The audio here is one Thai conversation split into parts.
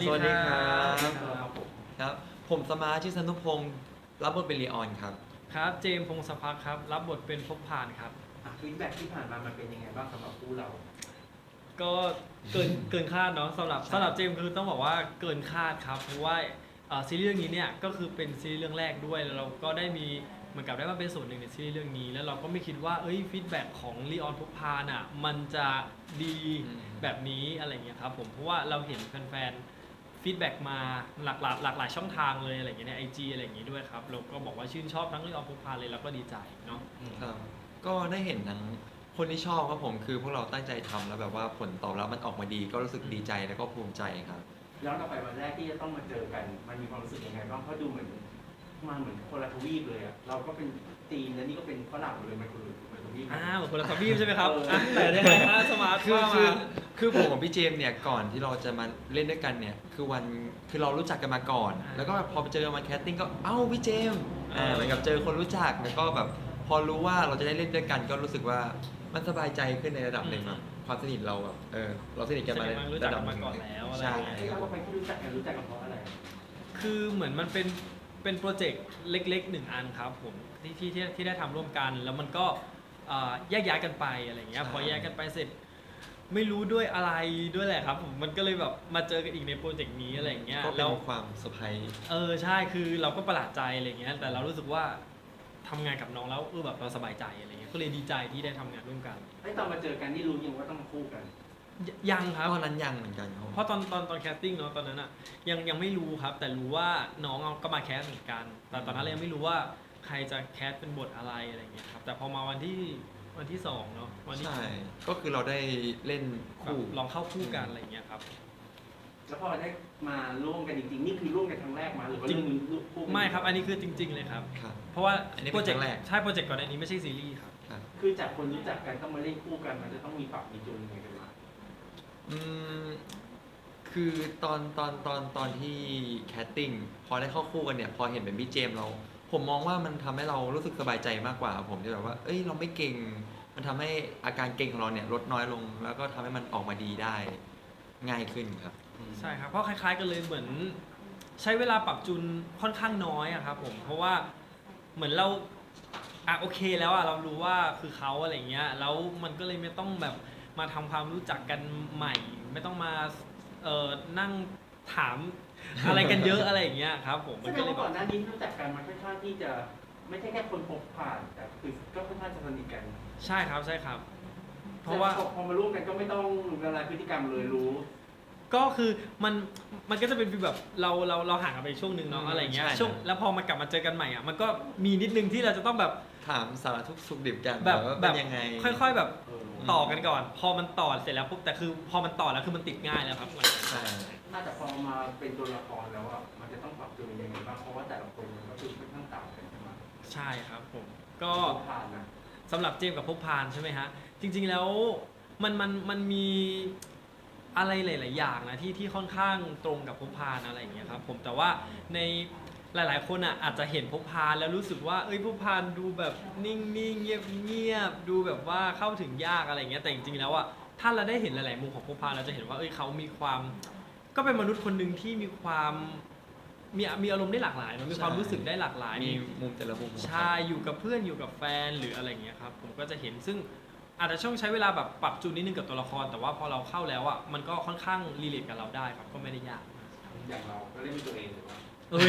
สวัสดีครัครับครับผมสมาร์ทชื่อสนุพงศ์รับบทเป็นลีออนครับครับเจมส์พงศพักดิ์ครับรับบทเป็นภพผ่านครับฟีดแบ็กที่ผ่านมามันเป็นยังไงบ้างสำหรับคู่เราก็เกินคาดเนาะสำหรับเจมส์คือต้องบอกว่าเกินคาดครับเพราะว่าซีรีส์เรื่องนี้เนี่ยก็คือเป็นซีรีส์เรื่องแรกด้วยแล้วเราก็ได้มีเหมือนกับได้มาเป็นส่วนหนึ่งในซีรีส์เรื่องนี้แล้วเราก็ไม่คิดว่าฟีดแบ็กของลีออนภพผ่านอ่ะมันจะดีแบบนี้อะไรเงี้ยครับผมเพราะว่าเราเห็นแฟนๆฟีดแบ็กมาหลากหลายช่องทางเลยอะไรเงี้ยใน IG อะไรอย่างงี้ด้วยครับเราก็บอกว่าชื่นชอบทั้งลีออนภพผ่านเลยแล้วก็ดีใจเนาะครับก็ได้เห็นทั้งคนที่ชอบครับผมคือพวกเราตั้งใจทำแล้วแบบว่าผลตอบรับมันออกมาดีก็รู้สึกดีใจแล้วก็ภูมิใจครับย้อนกลับไปวันแรกที่จะต้องมาเจอกันมันมีความรู้สึกยังไงบ้างเพราะดูเหมือนมาเหมือนคนละทวีปเลยอ่ะเราก็เป็นจีนแล้วนี่ก็เป็นฝรั่งเลยมันคนละทวีปเหมือนคนละทวีปใช่ไหมครับแต่ได้ไงฮะสมาร์ทคือผมกับพี่เจมส์เนี่ยก่อนที่เราจะมาเล่นด้วยกันเนี่ยคือเรารู้จักกันมาก่อนแล้วก็พอไปเจอมาแคสติ้งก็พี่เจมส์เหมือนกับเจอคนรู้จักแล้วก็แบบพอรู้ว่าเราจะได้เล่นด้วยกันก็รู้สึกว่ามันสบายใจขึ้นในระดับหนึ่งครับความสนิทเราแบบเราสนิทกันมาในระดับมาก่อนแล้วอะไรใช่แล้วก็ไปที่รู้จักกันเพราะอะไรคือเหมือนมันเป็นโปรเจกต์เล็กๆหนึ่งอันครับผมที่ได้ทำร่วมกันแล้วมันก็แยกย้ายกันไปอะไรเงี้ยพอแยกกันไปเสร็จไม่รู้ด้วยอะไรด้วยแหละครับผมมันก็เลยแบบมาเจอกันอีกในโปรเจกต์นี้อะไรเงี้ยก็เป็นความเซอร์ไพรส์ใช่คือเราก็ประหลาดใจอะไรเงี้ยแต่เรารู้สึกว่าทำงานกับน้องแล้วแบบเราสบายใจอะไรเงี้ยก็เลยดีใจที่ได้ทำงานร่วมกันตอนมาเจอกันนี่รู้ยังว่าต้องมาคู่กันยังครับตอนนั้นยังเหมือนกันครับเพราะตอนแคสติ้งเนาะตอนนั้นอะยังไม่รู้ครับแต่รู้ว่าน้องก็มาแคสเหมือนกันแต่ตอนนั้นเรายังไม่รู้ว่าใครจะแคสเป็นบทอะไรเงี้ยครับแต่พอมาวันที่สองเนาะวันที่ใช่ก็คือเราได้เล่นคู่ลองเข้าคู่กันอะไรเงี้ยครับแล้วพอได้มาร่วมกันจริงๆนี่คือร่วมกันครั้งแรกมาหรือว่าเรื่องนี้คู่ไม่ครับอันนี้คือจริงๆเลยครับเพราะว่าโปรเจกต์ใช่โปรเจกต์ก่อนอันนี้ไม่ใช่ซีรีส์ครับคือจากคนรู้จักกันต้องมาเล่นคู่กันมันจะต้องมีปรับมีจูนยังไงกันบ้างคือตอนที่แคสติ้งพอได้เข้าคู่กันเนี่ยพอเห็นเป็นพี่เจมส์ผมมองว่ามันทำให้เรารู้สึกสบายใจมากกว่าผมที่แบบว่าเราไม่เก่งมันทำให้อาการเก่งของเราเนี่ยลดน้อยลงแล้วก็ทำให้มันออกมาดีได้ง่ายขึ้นครับใช่ครับเพราะคล้ายๆกันเลยเหมือนใช้เวลาปรับจูนค่อนข้างน้อยอะครับผมเพราะว่าเหมือนเราโอเคแล้วเรารู้ว่าคือเขาอะไรเงี้ยแล้วมันก็เลยไม่ต้องแบบมาทำความรู้จักกันใหม่ไม่ต้องมานั่งถามอะไรกันเยอะอะไรอย่างเงี้ยครับผมมันก็เลยก่อนหน้านี้รู้จักกันมันค่อนข้างที่จะไม่ใช่แค่คนพบผ่านแต่คือก็ค่อนข้างจะสนิทกันใช่ครับเพราะว่าพอมาร่วมกันก็ไม่ต้องละลายพฤติกรรมเลยรู้ก็คือมันก็จะเป็นฟีลแบบเราห่างกันไปช่วงนึงเนาะอะไรเงี้ยช่วงแล้วพอมากลับมาเจอกันใหม่มันก็มีนิดนึงที่เราจะต้องแบบถามสารทุกสุขดิบกันแบบยังไงค่อยๆแบบต่อกันก่อนพอมันต่อเสร็จแล้วปุ๊บแต่คือพอมันต่อแล้วคือมันติดง่ายแล้วครับใช่น่าจะพอมาเป็นตัวละครแล้วมันจะต้องปรับตัวยังไงบ้างเพราะว่าแต่ละคนมันก็คือค่อนข้างต่างกันใช่ไหมใช่ครับผมก็สำหรับเจมส์กับภพพานใช่ไหมฮะจริงๆแล้วมันมีอะไรหลายๆอย่างนะที่ค่อนข้างตรงกับภพพานอะไรอย่างเงี้ยครับผมแต่ว่าในหลายๆคนอาจจะเห็นภพพานแล้วรู้สึกว่าภพพานดูแบบนิ่งๆเงียบๆดูแบบว่าเข้าถึงยากอะไรเงี้ยแต่จริงๆแล้วถ้าเราได้เห็นหลายๆมุมของภพพานเราจะเห็นว่าเขามีความก็เป็นมนุษย์คนหนึ่งที่มีความมีอารมณ์ได้หลากหลายมันมีความรู้สึกได้หลากหลายมีมุมแต่ละมุมใช่อยู่กับเพื่อนอยู่กับแฟนหรืออะไรเงี้ยครับผมก็จะเห็นซึ่งอาจจะช่วงใช้เวลาแบบปรับจูนนิดนึงกับตัวละครแต่ว่าพอเราเข้าแล้วมันก็ค่อนข้างรีเลทกับเราได้ครับก็ไม่ได้ยากอย่างเราก็เล่นเป็นตัวเองหรือว่า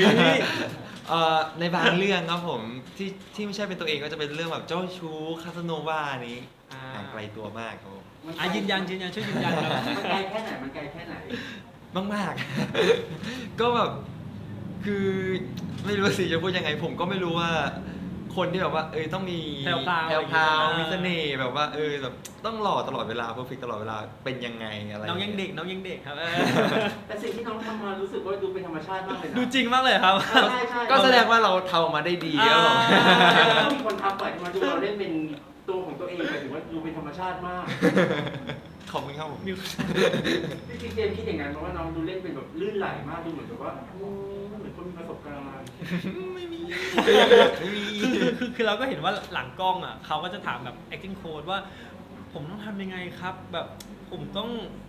ในบางเรื่องครับผมที่ไม่ใช่เป็นตัวเองก็จะเป็นเรื่องแบบเจ้าชู้คาสโนวานี้ห่างไกลตัวมากครับยืนยันช่วยยืนยันครับมันไกลแค่ไหนมากๆก็แบบคือไม่รู้สิจะพูดยังไงผมก็ไม่รู้ว่าคนที่แบบว่าต้องมีแพรวมีเสน่ห์แบบว่าแบบต้องหล่อตลอดเวลาเพอร์เฟคตลอดเวลาเป็นยังไงอะไรน้องยังเด็กครับแต่สิ่งที่น้องทำมารู้สึกว่าดูเป็นธรรมชาติมากเลยดูจริงมากเลยครับก็แสดงว่าเราทำออกมาได้ดีครับผมมีคนทักไปมาดูเราเล่นเป็นตัวของตัวเองแต่ถือว่าดูเป็นธรรมชาติมากขอบคุณครับผมจริงๆเจมคิดอย่างนั้นเพราะว่าน้องดูเล่นเป็นแบบลื่นไหลมากดูเหมือนแบบว่าเหมือนคนมีประสบการณ์ไม่มีคือเราก็เห็นว่าหลังกล้องเขาก็จะถามแบบ acting coach ว่าผมต้องทำยังไงครับแบบผมต้อง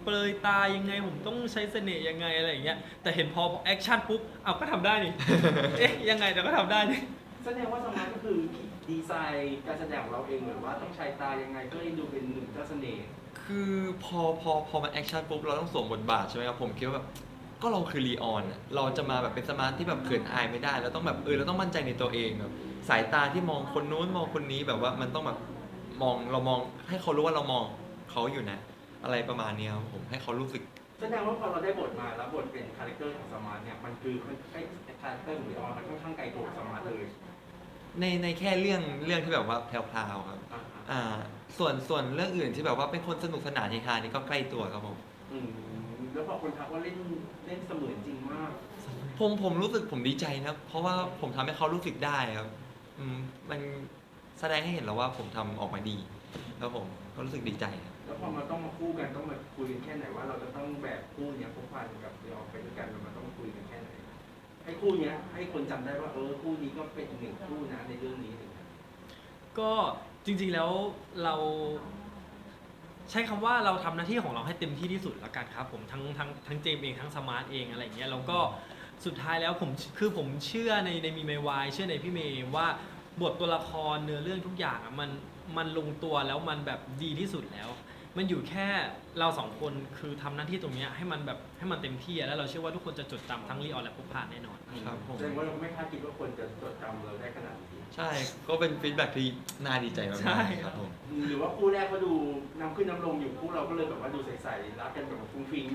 เปลยตายังไงผมต้องใช้เสน่ห์ยังไงอะไรอย่างเงี้ยแต่เห็นพอแอคชั่นปุ๊บเอาก็ทำได้นี่ เอ๊ะยังไงแต่ก็ทำได้นี่แสดงว่าสมาร์ทก็คือดีไซน์การแสดงของเราเองหรือว่าต้องใช้ตายังไงเพื่อให้ดูเป็นหนึ่งเจ้าเสน่ห์คือพอมันแอคชั่นปุ๊บเราต้องสวมบทบาทใช่ไหมครับผมคิดว่าแบบก็เราคือลีออนอะเราจะมาแบบเป็นสมาร์ทที่แบบเขินอายไม่ได้เราต้องแบบเราต้องมั่นใจในตัวเองแบบสายตาที่มองคนนู้นมองคนนี้แบบว่ามันต้องแบบเรามองให้เขารู้ว่าเรามองเขาอยู่นะ อะไรประมาณเนี้ยครับผมให้เขารู้สึกแสดงว่าพอเราได้บทมาแล้วบทเป็นคาแรคเตอร์ของสมาร์ทเนี่ยมันคือใกล้คาแรคเตอร์ของลีออนมันค่อนข้างไกลตัวสมาร์ทเลยในแค่เรื่องที่แบบว่าแพรวๆครับอ่าส่วนเรื่องอื่นที่แบบว่าเป็นคนสนุกสนานเฮฮานี่ก็ใกล้ตัวครับผมอืมแล้วพอคนทักว่าเล่นเสมือนจริงมากผมรู้สึกผมดีใจนะครับเพราะว่าผมทำให้เขารู้สึกได้ครับมันแสดงให้เห็นแล้วว่าผมทำออกมาดีแล้วผมก็รู้สึกดีใจครับแล้วพอมาต้องมาคู่กันต้องมาคุยกันแค่ไหนว่าเราจะต้องแบบคู่เนี้ยพบพันกับลีออนไปด้วยกันมันต้องคุยกันแค่ไหนให้คู่เนี้ยให้คนจำได้ว่าคู่นี้ก็เป็นอีกหนึ่งคู่นะในเรื่องนี้อะไรเงี้ยก็จริงๆแล้วเราใช้คำว่าเราทำหน้าที่ของเราให้เต็มที่ที่สุดแล้วกันครับผมทั้งเจมส์เองทั้งสมาร์ทเองอะไรอย่างเงี้ยแล้วก็สุดท้ายแล้วผมเชื่อในมีเมวายเชื่อในพี่เมย์ว่าบทตัวละครเนื้อเรื่องทุกอย่างอะมันลงตัวแล้วมันแบบดีที่สุดแล้ว มันอยู่แค่เราสองคนคือทำหน้าที่ตรงเนี้ยให้มันเต็มที่อะแล้วเราเชื่อว่าทุกคนจะจดจำทั้งลีออนและพบผ่านแน่นอนครับผมแสดงว่าเราไม่คาดคิดว่าคนจะจดจำเราได้ขนาดนี้ใช่ก็เป็นฟีดแบ็กที่น่าดีใจมากใช่ๆครับผมหรือว่าคู่แรกเขาดูน้ำขึ้นน้ำลงอยู่คู่เราก็เลยแบบว่าดูใสๆรักกันแบบฟุ้งฟิ้ง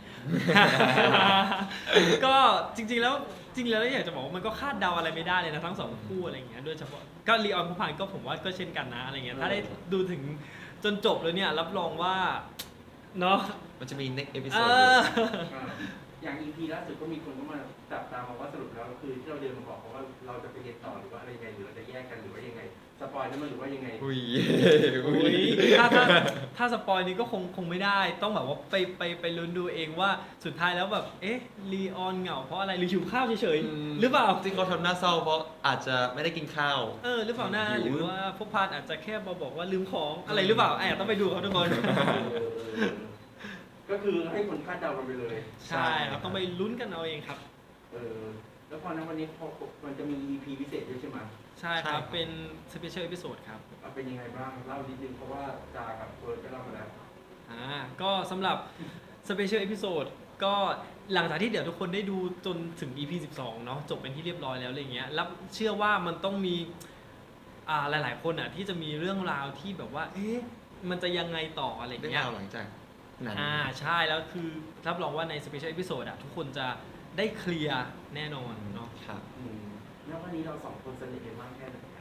ก็จริงๆแล้วอยากจะบอกว่ามันก็คาดเดาอะไรไม่ได้เลยนะทั้งสองคู่อะไรอย่างเงี้ยโดยเฉพาะก็ลีออนผู้พันก็ผมว่าก็เช่นกันนะอะไรเงี้ยถ้าได้ดูถึงจนจบเลยเนี่ยรับรองว่าเนาะมันจะมี next เอ episode ออย่าง EP ล่าสุดก็มีคนก็มาจับตามมาว่าสรุปแล้วคือที่เราเดินมาบอกเขาว่าเราจะไปเรียนต่อหรือว่าอะไรยังไงหรือเราจะแยกกันหรือว่ายังไงสปอยล์ได้มั้ยหรือว่ายังไงอุ้ยอุ๊ยถ้าสปอยนี้ก็คงไม่ได้ต้องแบบว่าไปลุ้นดูเองว่าสุดท้ายแล้วแบบเอ๊ะลีออนเหงาเพราะอะไรหรือหิวข้าวเฉยๆหรือเปล่าที่เขาทำหน้าเศร้าเพราะอาจจะไม่ได้กินข้าวหรือเปล่าหน้าหิวหรือว่าพวกพานอาจจะแค่มาบอกว่าลืมของอะไรหรือเปล่าต้องไปดูเขาทุกคนก็คือให้คนคาดเดากันไปเลยใช่ครับต้องไปลุ้นกันเอาเองครับแล้วพอนั้นวันนี้พอมันจะมี EP พิเศษด้วยใช่ไหมใช่ครับเป็นสเปเชียลเอพิโซดครับเป็นยังไงบ้างเล่านิดนึงเพราะว่าจากับเฟิร์สก็เล่ามาแล้วก็สำหรับสเปเชียลเอพิโซดก็หลังจากที่เดี๋ยวทุกคนได้ดูจนถึง EP 12 เนาะจบเป็นที่เรียบร้อยแล้วอะไรเงี้ยแล้วเชื่อว่ามันต้องมีหลายๆคนอ่ะที่จะมีเรื่องราวที่แบบว่าเอ๊ะมันจะยังไงต่ออะไรเรื่องเงี้ยราวหลังจากนั้นใช่แล้วคือรับรองว่าในสเปเชียลเอพิโซดอ่ะทุกคนจะได้เคลียร์แน่นอนเนาะครับแล้ววันนี้เราสองคนสนิทกันมากแค่ไหนครับ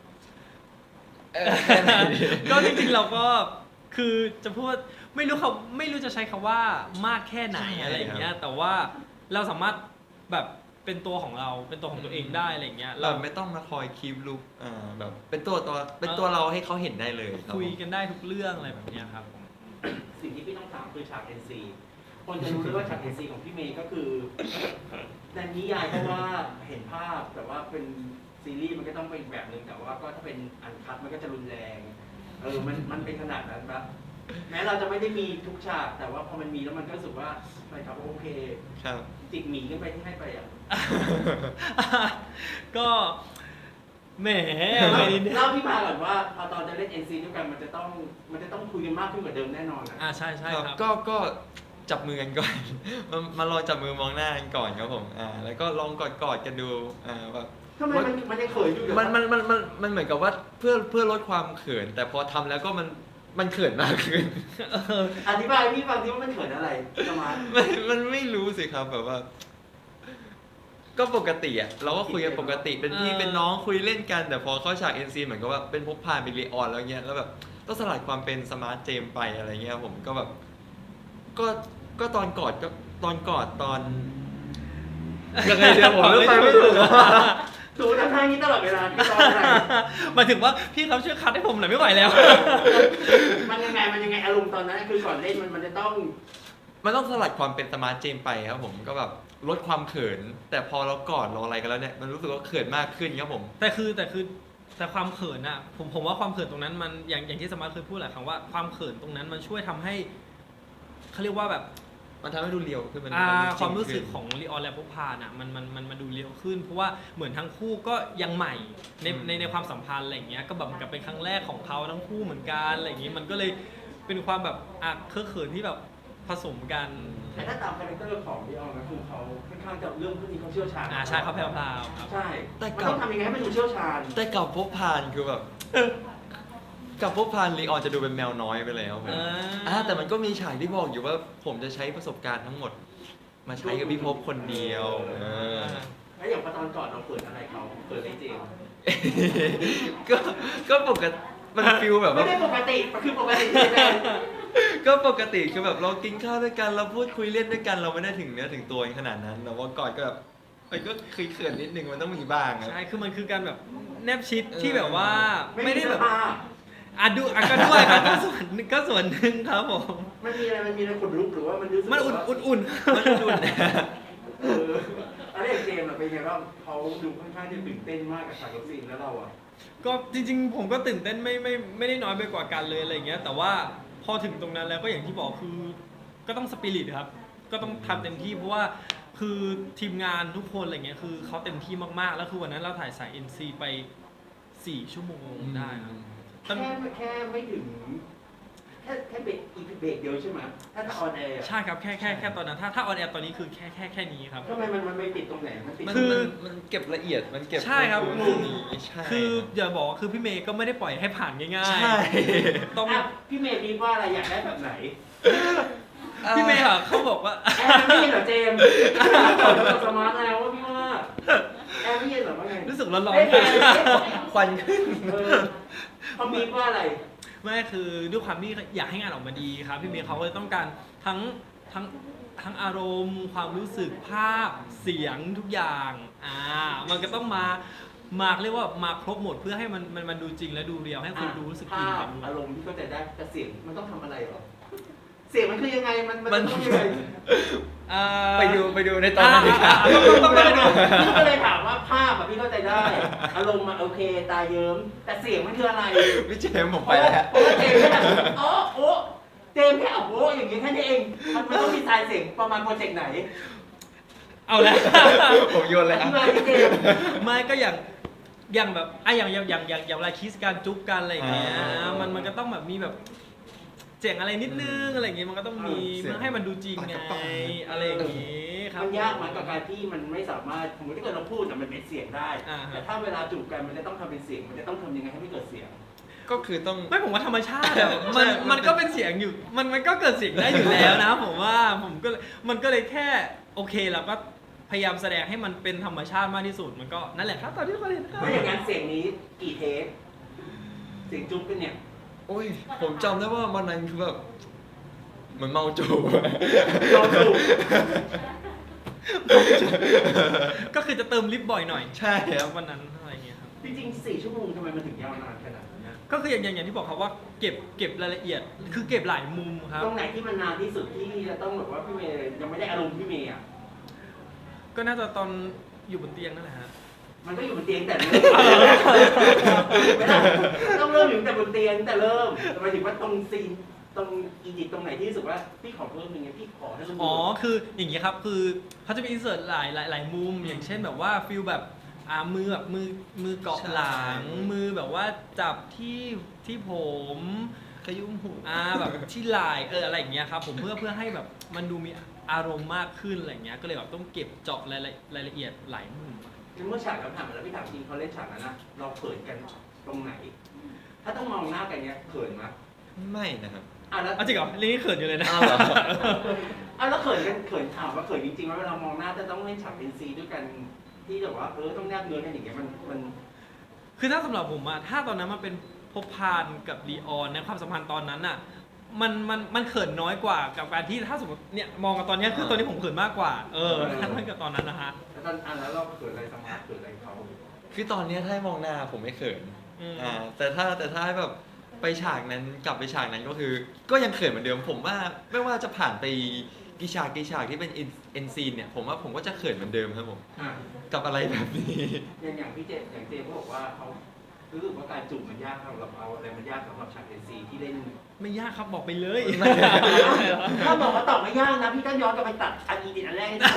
ก็จริงๆเราก็คือจะพูดไม่รู้จะใช้คำว่ามากแค่ไหนใช่อะไรอย่างเงี้ยแต่ว่าเราสามารถแบบเป็นตัวของเราเป็นตัวของตัวเองได้อะไรอย่างเงี้ยเราไม่ต้องมาคอยคีปลุกแบบเป็นตัวเราให้เขาเห็นได้เลยรับคุยกันได้ทุกเรื่องอะไรแบบเนี้ยครับผมสิ่งที่พี่ต้องถามคือฉาก NC คนจะรู้เลยว่าฉาก NC ของพี่เมย์ก็คือในนิยายเพราะว่าเห็นภาพแต่ว่าเป็นซีรีส์มันก็ต้องเป็นอีกแบบหนึ่งแต่ว่าก็ถ้าเป็นอันคัดมันก็จะรุนแรงมันเป็นขนาดนั้นปะแม้เราจะไม่ได้มีทุกฉากแต่ว่าพอมันมีแล้วมันก็รู้สึกว่าไปครับโอเคครับจิกหมีกันไปที่ให้ไปอ่ะก็แหมอะไรเนี่ยเล่าที่มาก่อนว่าพอตอนจะเล่น NC ด้วยกันมันจะต้องคุยกันมากขึ้นกว่าเดิมแน่นอนอ่ะใช่ครับก็จับมือกันก่อน มาลองจับมือมองหน้ากันก่อนครับผมแล้วก็ลองกอดกันดูแบบทำไมมันยังเขินอยู่เดี๋ยวมันเหมือนกับว่าเพื่อลดความเขิน แต่พอทำแล้วก็มันเขินมากขึ้นอธิบายพี่ฟังที่ว่ามันเขินอะไรสมาร์ทมันไม่รู้สิครับแบบว่า ก็ปกติอ่ะเราก็คุยกันปกติเป็นพี่เป็นน้องคุยเล่นกัน แต่พอเข้าฉาก NC เหมือนกับว่าเป็นพกพาเป็นลีออนแล้วเงี้ยแล้วแบบต้องสลัดความเป็นสมาร์ทเจมไปอะไรเงี้ยผมก็แบบก็ตอนกอดตอนยังไงเดี๋ยวผมเลือกไปไม่ถูกดูทำท่านี้ตลอดเวลาที่ตอนอะไรหมายถึงว่าพี่ครับช่วยคัดให้ผมหน่อยไม่ไหวแล้วมันยังไงอารมณ์ตอนนั้นคือก่อนเล่นมันจะต้องมันต้องสลัดความเป็นสมาร์ทเจมไปครับผมก็แบบลดความเขิน แต่พอเรากอดเราอะไรกันแล้วเนี่ยมันรู้สึกว่าเขินมากขึ้นครับผมแต่ความเขินอ่ะผมว่าความเขินตรงนั้นมันอย่างที่สมาร์ทเคยพูดหลายครั้งว่าความเขินตรงนั้นมันช่วยทำให้เขาเรียกว่าแบบมันทำให้ดูเรียวขึ้นมันความรู้สึกจงขึ้นของลีออนและพบพานอ่ะมันดูเรียวขึ้น เพราะว่าเหมือนทั้งคู่ก็ยังใหม่ในความสัมพันธ์อะไรอย่างเงี้ยก็แบบกับเป็นครั้งแรกของเขาทั้งคู่เหมือนกันอะไรอย่างงี้มันก็เลยเป็นความแบบเคอะเขินที่แบบผสมกันแต่ถ้าตามคาแรคเตอร์ของพี่ออนก็คือเขาค่อนข้างจะเรื่องพวกนี้เขาเชี่ยวชาญใช่เขาแพรวๆครับใช่แต่มันกับต้องทำยังไงให้มันดูเชี่ยวชาญแต่กับพบพานคือแบบกับพบพานลีออนจะดูเป็นแมวน้อยไปแล้วผมแต่มันก็มีฉากที่บอกอยู่ว่าผมจะใช้ประสบการณ์ทั้งหมด มาใช้กับพี่พบคนเดียวแล้วอย่างตอนก่อนเราเปิดอะไรเขาเปิดไอเจมก็ปกติมันฟิลแบบไม่ว่าได้ปกติมันคือปกติเลยก็ปกติคือแบบเรากินข้าวด้วยกันเราพูดคุยเล่นด้วยกันเราไม่ได้ถึงเนื้อถึงตัวขนาดนั้นแต่ว่าก่อนก็แบบมันก็เขินๆนิดนึงมันต้องมีบ้างครับใช่คือมันคือการแบบแนบชิดที่แบบว่าไม่ได้แบบก็ด้วยครับก็ส่วนหนึ่งครับผมมันมีอะไรขนลุกหรือว่ามันรู้สึกมันอุ่นมันดุนอะไรเจมส์เป็นไงบ้างเขาดูค่อนข้างจะตื่นเต้นมากกับฉากรถซีนแล้วเราอ่ะก็จริงๆผมก็ตื่นเต้นไม่ได้น้อยไปกว่ากันเลยอะไรอย่างเงี้ยแต่ว่าพอถึงตรงนั้นแล้วก็อย่างที่บอกคือก็ต้องสปิริตครับก็ต้องทำเต็มที่เพราะว่าคือทีมงานทุกคนอะไรเงี้ยคือเขาเต็มที่มากๆแล้วคือวันนั้นเราถ่ายสาย NC ไป4 ชั่วโมงได้ครับแค่ไม่ถึงแค่เบรกอีกเบรกเดียวใช่ไหมถ้าออนแอร์ใช่ครับแค่ตอนนั้นถ้าออนแอร์ตอนนี้คือแค่นี้ครับทำไมมันไม่ติดตรงไหนมันติดมันเก็บละเอียดมันเก็บใช่ครับตรงนี้ใช่คืออย่าบอกว่าคือพี่เมย์ก็ไม่ได้ปล่อยให้ผ่านง่ายใช่ๆต้องพี่เมย์มีว่าอะไรอยากได้แบบไหนพี่เมย์อะเขาบอกว่าแอร์ไม่เย็นเหรอเจมส์เราสมาร์ทแล้วว่าพี่ว่าแอร์ไม่เย็นเหรอว่าไงรู้สึกร้อนควันขึ้นเขามีว่าอะไรๆไม่คือด้วยความที่อยากให้งานออกมาดีครับพี่เมย์เขาก็เลยต้องการทั้งอารมณ์ความรู้สึกภาพเสียงทุกอย่างมันก็ต้องมาเรียกว่ามาครบหมดเพื่อให้มันดูจริงและดูเรียวให้คนดูรู้สึกอินภากัพบมันอารมณ์ที่เข้าใจได้แต่เสียงมันต้องทำอะไรหรอเสียงมันคือยังไงมันต้องยังไงไปดูในตอนนั้นดีกว่าต้องไปดูพี่ก็เลยถามว่าภาพอะพี่เข้าใจได้ อารมณ์อะโอเคตาเยิ้มแต่เสียงมันคืออะไรพี่เจมส์ผมไปแล้วเพราะว่าเจมส์แค่โอ้เจมส์แค่โอ้อย่างนี้แค่นี้เองมันต้องดีไซน์เสียงประมาณโปรเจกต์ไหนเอาแล้วผมโยนเลยออ่ะธิบายที่เจมส์ไม่ก็อย่างแบบอย่างเวลาคิสการจุ๊บกันอะไรอย่างเงี้ยมันก็ต้องแบบมีแบบเจ๋งอะไรนิดนึงอะไรอย่างเงี้ยมันก็ต้องมีเพื่อให้มันดูจริงไงอะไรอย่างงี้ครับมันยากมันกับการที่มันไม่สามารถสมมติถ้าเกิดเราพูดอะมันเป็นเสียงได้ แต่ถ้าเวลาจูบกันมันจะต้องทำเป็นเสียงมันจะต้องทำยังไงให้ไม่เกิดเสียงก็คือต้องไม่ผมว่าธรรมชาติอะมันก็เป็นเสียงอยู่มันก็เกิดเสียงได้อยู่แล้วนะผมว่ามันก็เลยแค่โอเคเราก็พยายามแสดงให้มันเป็นธรรมชาติมากที่สุดมันก็นั่นแหละครับตอนที่ทุกคนเห็นครับไม่อย่างนั้นเสียงนี้กี่เทปเสียงจุ๊บกันเนี่ยโอ้ยผมจำได้ว่าวันนั้นคือแบบเหมือนเมาจูบเราจูบก็คือจะเติมลิปบ่อยหน่อยใช่ครับวันนั้นอะไรอย่างเงี้ยครับจริงๆ4 ชั่วโมงทำไมมันถึงยาวนานขนาดนั้นนะก็คืออย่างที่บอกครับว่าเก็บรายละเอียดคือเก็บหลายมุมครับตรงไหนที่มันนานที่สุดที่จะต้องแบบว่าพี่เมย์ยังไม่ได้อารมณ์พี่เมย์อ่ะก็น่าจะตอนอยู่บนเตียงนั่นแหละฮะมันก็อยู่บนเตียงแต่เริ่มไม่ได้ต้องเริ่มอยู่แต่บนเตียงแต่เริ่มหมายถึงว่าตรงซีนตรงอียิปต์ตรงไหนที่รู้สึกว่าพี่ขอเพิ่มอย่างเงี้ยพี่ขอให้มันอ๋อคืออย่างเงี้ยครับคือเขาจะมีอินเสิร์ตหลายมุมอย่างเช่นแบบว่าฟิลแบบมือแบบมือเกาะหลัง มือแบบว่าจับที่ผมขยุ้มหูแบบที่ไหล่อะไรอย่างเงี้ยครับผมเพื่อให้แบบมันดูมีอารมณ์มากขึ้นอะไรเงี้ยก็เลยแบบต้องเก็บเจาะรายละเอียดหลายมุมเมื่อฉากเราผ่านมาแล้วพี่ถามจริงเขาเล่นฉากนั้นนะเราเขินกันตรงไหน ถ้าต้องมองหน้ากันเนี้ยเขินไหมไม่นะครับแล้วจริงเหรอเรื่องนี้เขินอยู่เลยนะอ้าวเหรอแล้วเขินกันถามว่าเขินจริงๆว่าเวลามองหน้าจะต้องเล่นฉากเป็นซีด้วยกันที่แบบว่าต้องแนบเนื้อกันอย่างเงี้ยมันคือถ้าสำหรับผมอะถ้าตอนนั้นมันเป็นพบพานกับลีออนในความสัมพันธ์ตอนนั้นอะมันเขินน้อยกว่ากับการที่ถ้าสมมติเนี่ยมองกันตอนเนี้ยคือตอนนี้ผมเขินมากกว่าถ้าเทียบกับตอนนั้นนะฮะแล้วเราเขินอะไรสมาร์ทเขินอะไรเขาคือตอนเนี้ยถ้าให้มองหน้าผมไม่เขินอืมแต่ถ้าให้แบบไปฉากนั้นกลับไปฉากนั้นก็คือ ก็ยังเขินเหมือนเดิมผมว่าไม่ว่าจะผ่านไปกี่ฉากที่เป็นเอ็นซีนเนี่ยผมว่าผมก็จะเขินเหมือนเดิมครับผมอ่ะกับอะไรแบบนี้อย่างพี่เจมส์ก็บอกว่าเขารู้สึกว่าการจูบมันยากสำหรับเราอะไรมันยากสำหรับฉาก NC ที่เล่นไม่ยากครับบอกไปเลยถ้าบอกว่าตอบไม่ยากนะพี่ก็ย้อนกลับไปตัดอันนี้อันแรกให้ดู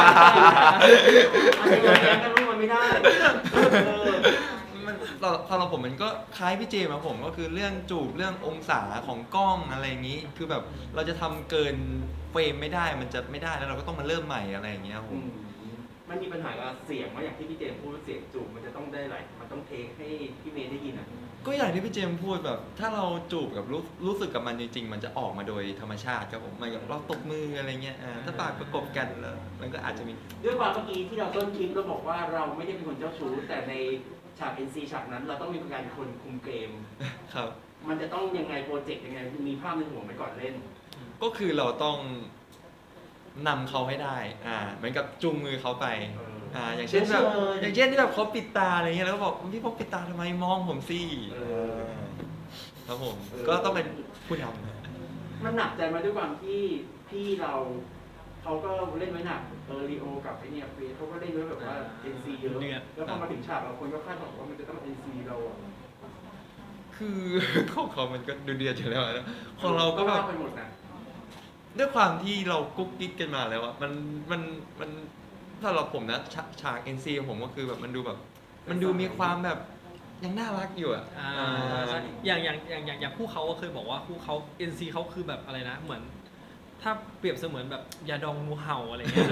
อันนี้เราแย้งกันรู้มันไม่ได้เออมันสำหรับผมมันก็คล้ายพี่เจมส์ครับผมก็คือเรื่องจูบเรื่ององศาของกล้องอะไรอย่างนี้ คือแบบเราจะทำเกินเฟรมไม่ได้มันจะไม่ได้แล้วเราก็ต้องมาเริ่มใหม่อะไรอย่างเงี้ยครับผมมันมีปัญหากับเสียงว่าอย่างที่พี่เจมส์พูดเสียงจูบมันจะต้องได้หลายมันต้องเทคให้พี่เมย์ได้ยินอ่ะก็อย่างที่พี่เจมส์พูดแบบ ถ้าเราจูบกับรู้สึกกับมันจริงๆ มันจะออกมาโดยธรรมชาติครับผมมันกับเราตบมืออะไรเงี้ยถ้าปากประกบกันแล้วมันก็อาจจะมีด้วยความเมื่อกี้ที่เราต้นคลิปเราบอกว่าเราไม่ได้เป็นคนเจ้าชู้แต่ในฉาก NC ฉากนั้นเราต้องมีการคนคุมเกมครับมันจะต้องยังไงโปรเจกต์ยังไงมีภาพในหัวไหมก่อนเล่นก็คือเราต้องนำเขาให้ได้เหมือนกับจูงมือเขาไปอย่างเช่นแบบอย่างเช่นที่แบบเขาปิดตาอะไรเงี้ยแล้วก็บอกพี่พกปิดตาทำไมมองผมสิครับผมก็ต้องเป็นผู้นำมันหนักใจมาด้วยความที่พี่เราเขาก็เล่นไว้หนักลีโอกับไอเนี่ยเฟสเขาก็เล่นไว้แบบว่า NC เยอะแล้วพอมาถึงฉากเราคนก็คาดหวังว่ามันจะต้อง NC เราอ่ะคือ ของเขามันก็ดูเดือดอยู่แล้วนะของเราก็แบบไปหมดนะด้วยความที่เรากุ๊กกิ๊กกันมาแล้วอะมันถ้าเราผมนะฉาก NC ของผมก็คือแบบมันดูแบบ มันดูมีความแบบยังน่ารักอยู่อะใช่อย่างคู่เขาก็เคยบอกว่าคู่เขา NC เขาคือแบบอะไรนะเหมือน ถ้าเปรียบเสมือนแบบยาดองงูเห่าอะไรเงี้ย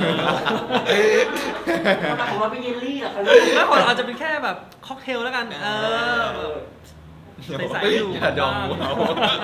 ของเราเป็นเยลลี่เหรอคะแล้วคนอาจจะเป็นแค่แบบค็อกเทลแล้วกันใสๆอยู่อย่าดองหัวเรา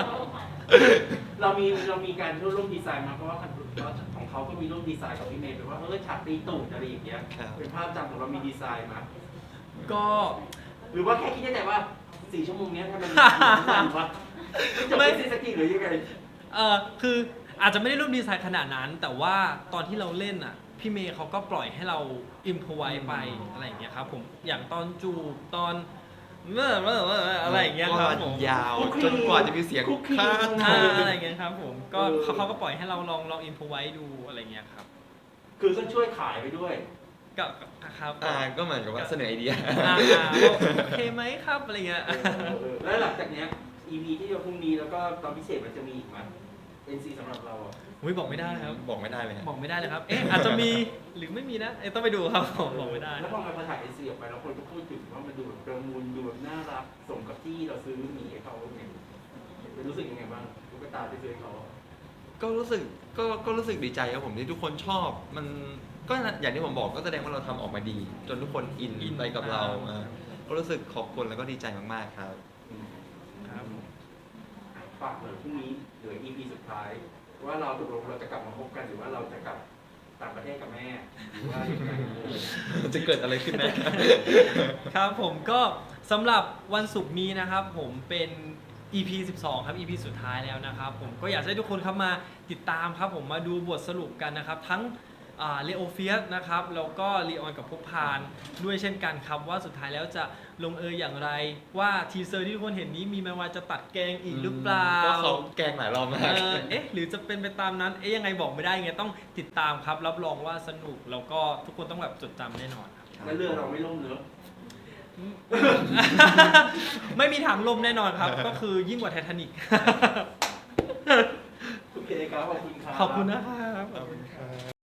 เรามีการร่วมดีไซน์มาเพราะว่าของเขาก็มีร่วมดีไซน์กับพี่เมย์แปลว่าฉากตีตูดอะไรอย่างเงี้ยเป็นภาพจำของเรามีดีไซน์มาก็หรือว่าแค่คิดได้แต่ว่า4 ชั่วโมงนี้ทำไมมันสั้นวะจะไม่ซีสกีหรือยังไงคืออาจจะไม่ได้ร่วมดีไซน์ขนาดนั้น แต่ว่าตอนที่เราเล่นอ่ะพี่เมย์เขาก็ปล่อยให้เราอิมพอไว้ไปอะไรอย่างเงี้ยครับผมอย่างตอนจูบตอนอะไรอย่างเงี้ยครับผมยาวจนกว่าจะมีเสียงคาดอะไรอย่างเงี้ยครับผมก็เขาก็ปล่อยให้เราลองอิมพอไว้ดูอะไรเงี้ยครับคือก็ช่วยขายไปด้วยก็ครับก็เหมือนกับว่าเสนอไอเดียโอเคไหมครับอะไรเงี้ยแล้วหลังจากเนี้ย EP ที่จะพรุ่งนี้แล้วก็ตอนพิเศษมันจะมีอีกไหม NC สำหรับเราอ่ะอุ้ยบอกไม่ได้ครับบอกไม่ได้เลยบอกไม่ได้เลยครับอาจจะมีหรือไม่มีนะต้องไปดูครับบอกไม่ได้แล้วพอมาถ่าย NC ออกไปแล้วคนก็พูดถึงว่ามันดูแบบประมูลดูแบบน่ารักสมกับที่เราซื้อหมีให้เขาเนี่ยรู้สึกยังไงบ้างตุ๊กตาที่ซื้อให้เขาก็รู้สึกดีใจครับผมที่ทุกคนชอบมันก็อย่างที่ผมบอกก็แสดงว่าเราทำออกมาดี จนทุกคนอินไปกับเราก็รู้สึกขอบคุณแล้วก็ดีใจมากๆครับครับฝากหน่อยพรุ่งนี้เหลือ EP สุดท้าย ว่าเราตกลงเราจะกลับมาพบกันหรือว่าเราจะกลับต่างประเทศกับแม่หรือว่ายังไงจะเกิดอะไรขึ้นนะครับผมก็สำหรับวันศุกร์นี้นะครับผมเป็น EP 12 ครับ EP สุดท้ายแล้วนะครับผมก็อยากให้ทุกคนครับมาติดตามครับผมมาดูบทสรุปกันนะครับทั้งเลโอเฟียสนะครับแล้วก็ลีออนกับภพพานด้วยเช่นกันครับว่าสุดท้ายแล้วจะลงเอยอย่างไรว่าทีเซอร์ที่ทุกคนเห็นนี้มีแม้ว่าจะตัดแกงอีกหรือเปล่าก็เขาแกล้งหลายรอบมากหรือจะเป็นไปตามนั้นยังไงบอกไม่ได้ไงต้องติดตามครับรับรองว่าสนุกแล้วก็ทุกคนต้องแบบจดจำแน่นอนครับแล้วเรื่องเราไม่ล่มเนอะไม่มีถังลมแน่นอนครับ ก็คือยิ่งกว่าไททานิกโอเคครับขอบคุณครับขอบคุณนะครับ